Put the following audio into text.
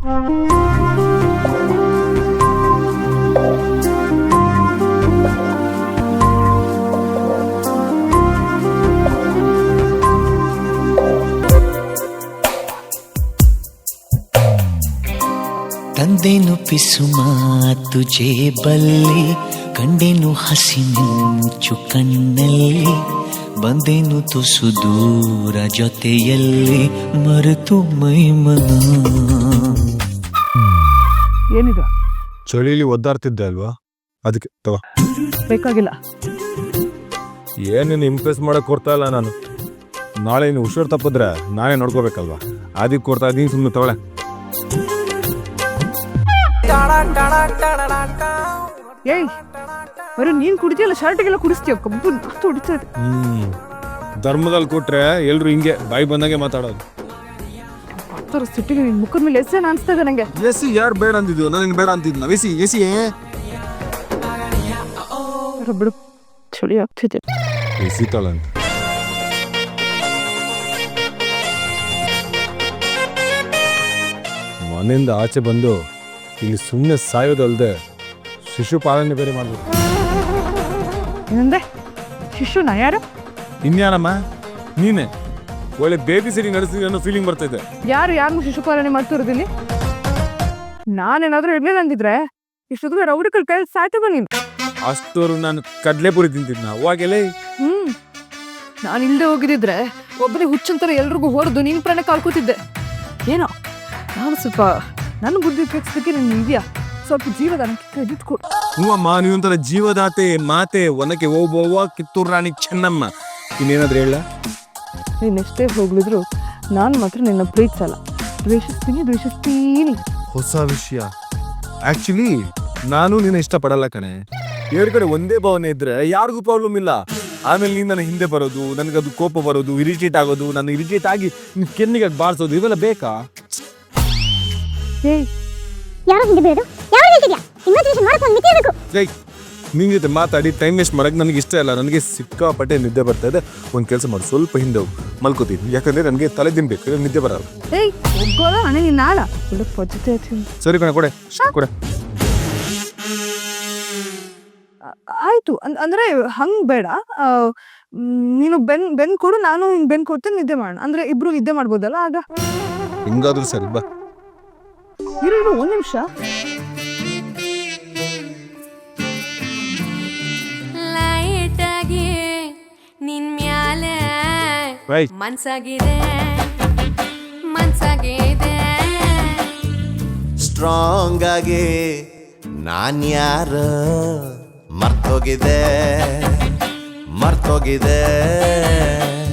ತಂದೆನು ಪಿಸು ಮಾತು ಜೇಬಲ್ಲಿ, ಕಂಡೆನು ಹಸಿ ಮಿಂಚು ಕಣ್ಣಲ್ಲಿ, ಬಂದೆನು ತುಸು ದೂರ ಜೊತೆಯಲ್ಲಿ, ಮರೆತು ಮೈಮನ. ಏನಿದು? ಚಳಿಲಿ ಒದ್ದಾಡ್ತಿದ್ದೆ ಅಲ್ವಾ, ಅದಕ್ಕೆ ತಗೋ. ಬೇಕಾಗಿಲ್ಲ. ಏನೇನು ಇಂಪ್ರೆಸ್ ಮಾಡಕ್ ಕೊಡ್ತಾ ಇಲ್ಲ ನಾನು. ನಾಳೆ ನೀನು ಹುಷಾರು ತಪ್ಪಿದ್ರೆ ನಾನೇ ನೋಡ್ಕೋಬೇಕಲ್ವಾ, ಅದಕ್ಕೆ ಕೊಡ್ತಾ ಇದ್ದೀನಿ, ಸುಮ್ಮನೆ ತಗೊಳ್ಳೆ. ಏಯ್ ಬರೀ ನೀನ್ ಕುಡಿತೀಯಲ್ಲ, ಶರ್ಟ್ಗೆಲ್ಲ ಕುಡಿಸ್ತೀಯ, ಕಬ್ಬು ಹೊಡಿತಾ ಇದೆ. ಧರ್ಮದಲ್ಲಿ ಕೊಟ್ರೆ ಎಲ್ರು ಹಿಂಗೆ ಬಾಯಿ ಬಂದಂಗೆ ಮಾತಾಡೋದು. ಸಿಟ್ಟಿಗೆ ನಿನ್ ಮುಖದ ಮೇಲೆ ಎಸೇನ ಅನ್ಸ್ತಾ ಇದೆ ನಂಗೆ. ಎಸಿ ಯಾರು ಬೇಡ ಅಂತಿದ್ವು, ನಾನು ಬೇಡ ಅಂತಿದ್ನ. ಎಸಿ ಎಸಿ ಬಿಡು, ಚಳಿ ಆಗ್ತಿದೆ. ಎಸಿ ತಳ ಮನೆಯಿಂದ ಆಚೆ ಬಂದು ಇಲ್ಲಿ ಸುಮ್ಮನೆ ಸಾಯೋದಲ್ದೆ ಶಿಶು ಪಾಲನೆ ಬೇರೆ ಮಾಡ್ಬೇಕು. ಏನಂದ್ರೆ ಶಿಶುನ? ಯಾರು? ಇನ್ಯಾನಮ್ಮ, ನೀನೆ. ಒಳ್ಳೆ ಬೇಬಿ ಸಿಟಿಂಗ್ ನಡೆಸ್ತೀನಿ ಅನ್ನೋ ಫೀಲಿಂಗ್ ಬರ್ತಾ ಇದೆ. ಯಾರು ಶಿಶುಪಾಲನೆ ಮಾಡ್ತಿರೋದಿಲ್ಲಿ? ನಾನೇನಾದ್ರೂ ಇರ್ಲಿಲ್ಲ ಅಂದಿದ್ರೆ ಇಷ್ಟೊತ್ತಿಗೆ ರೌಡಿಗಳ ಕೈಯಲ್ಲಿ ಸಾಯ್ತದ ನೀನು. ಅಷ್ಟೋರು ನಾನು ಕಡ್ಲೆಪುರಿ ತಿಂತಿದ್ನ ಅವಾಗೆಲ್ಲ. ನಾನು ಇಲ್ಲದೆ ಹೋಗಿದ್ದಿದ್ರೆ ಒಬ್ಬನೇ ಹುಚ್ಚಂತರ ಎಲ್ರಿಗೂ ಹೊಡೆದು ನಿನ್ ಪ್ರಾಣ ಕಾಲ್ಕೋತಿದ್ದೆ. ಏನೋ ನಾನು ಸ್ವಲ್ಪ ನನ್ನ ಬುದ್ಧಿ ಕೆಡ್ಸೋದಕ್ಕೆ ನೀನು ಇದೆಯಾ, ಸ್ವಲ್ಪ ಜೀವದಾನಕ್ಕೆ ಕ್ರೆಡಿಟ್ ಕೊಡು. ಹೂವಮ್ಮ, ನೀವೊಂಥರ ಜೀವದಾತೆ, ಮಾತೆ, ಒನಕೆ ಓಬವ್ವ, ಕಿತ್ತೂರು ರಾಣಿ ಚೆನ್ನಮ್ಮ. ಇನ್ನೇನಾದ್ರೂ ಹೇಳ? ನೀನೆಷ್ಟೇ ಹೋಗ್ಲಿದ್ರು ನಾನು ಮಾತ್ರ ನಿನ್ನ ಪ್ರೀತಿಸಲ್ಲ, ದ್ವೇಷಿಸ್ತೀನಿ. ಹೊಸ ವಿಷಯ. ಆಕ್ಚುಲಿ ನಾನು ನಿನ್ನ ಇಷ್ಟಪಡಲ್ಲ ಕಣೆ. ಎರಡು ಕಡೆ ಒಂದೇ ಭಾವನೆ ಇದ್ರೆ ಯಾರಿಗೂ ಪ್ರಾಬ್ಲಮ್ ಇಲ್ಲ. ಆಮೇಲೆ ನೀನು ನನ್ನ ಹಿಂದೆ ಬರೋದು, ನನಗದು ಕೋಪ ಬರೋದು, ಇರಿಟೇಟ್ ಆಗೋದು, ನಾನು ಇರಿಟೇಟ್ ಆಗಿ ನಿನ್ ಕೆನ್ನಿಗೆ ಬಾರಿಸೋದು, ಇವೆಲ್ಲ ಬೇಕಾ? ನಿನ್ ಜೊತೆ ಮಾತಾಡಿ ಟೈಮ್ ವೇಸ್ಟ್ ಮಾಡಕ್ ನನಗೆ ಇಷ್ಟ ಇಲ್ಲ. ನನಗೆ ಸಿಕ್ಕಾಪಟ್ಟೆ ನಿದ್ದೆ ಬರ್ತಾ ಇದೆ. ಒಂದ್ ಕೆಲಸ ಮಾಡಿ, ಸ್ವಲ್ಪ ಹಿಂದೆ ಹೋಗಿ ಮಲ್ಕೋತೀನಿ, ಯಾಕಂದ್ರೆ ನನಗೆ ತಲೆ ದಿನ್ಬೇಕು, ನಿದ್ದೆ ಬರಲ್ಲ. ಸರಿ ಕಣ, ಕೊಡೆ ಕೊಡೆ. ಆಯ್ತು ಅಂದ್ರೆ ಹಂಗ್ ಬೇಡ, ನೀನು ಬೆನ್ ಕೊಡು, ನಾನು ಬೆನ್ ಕೊಡ್ತೇನೆ, ನಿದ್ದೆ ಮಾಡೋಣ. ಅಂದ್ರೆ ಇಬ್ರು ನಿದ್ದೆ ಮಾಡ್ಬೋದಲ್ಲ ಆಗ. ಹಿಂಗಾದ್ರೂ ಸರಿ, ಬಾ. ಇರು ಒಂದ್ ನಿಮಿಷ. ನಿನ್ ಮ್ಯಾಲೆ Right. ಮನ್ಸಾಗಿದೆ ಸ್ಟ್ರಾಂಗ್ ಆಗಿ ನಾನ್ಯಾರ ಮರ್ತೋಗಿದೆ